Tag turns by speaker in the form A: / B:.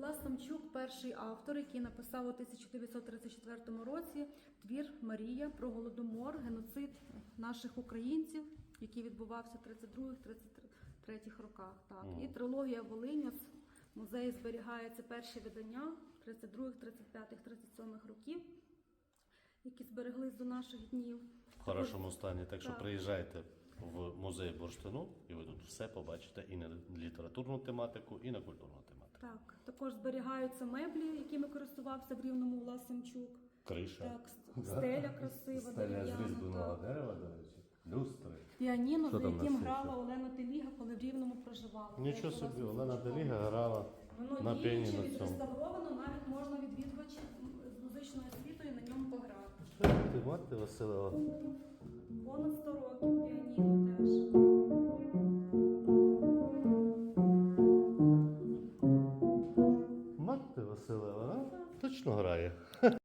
A: Влас Самчук – перший автор, який написав у 1934 році твір «Марія» про голодомор, геноцид наших українців, який відбувався в 32-33 роках. Так. І трилогія «Волинь», в музеї зберігається перші видання 32-х, 35-х, 37-х років, які збереглись до наших днів.
B: В хорошому стані. Так що
A: Так.
B: приїжджайте в музей бурштину, і ви тут все побачите і на літературну тематику, і на культурну тематику.
A: Так. Також зберігаються меблі, якими користувався в Рівному Влас Самчук.
B: Криша.
A: Так, стеля красива,
B: Стеля з
A: дерев'яна,
B: різьбленого
A: так.
B: дерева, до речі. Люстри.
A: Піаніно,
B: Що
A: за
B: там
A: яким
B: на
A: грала
B: сцені?
A: Олена Теліга, коли в Рівному проживала.
B: Нічого
A: Як була
B: собі,
A: з
B: Олена
A: Самчуком.
B: Теліга грала
A: Воно
B: на
A: діюче,
B: піаніно цьому.
A: відреставровано, навіть можна відвідувачі з музичною освітою на ньому пограти.
B: Ти мати Василева.
A: Понад 100 років піаніно теж.
B: Мати Василева, а? Точно грає.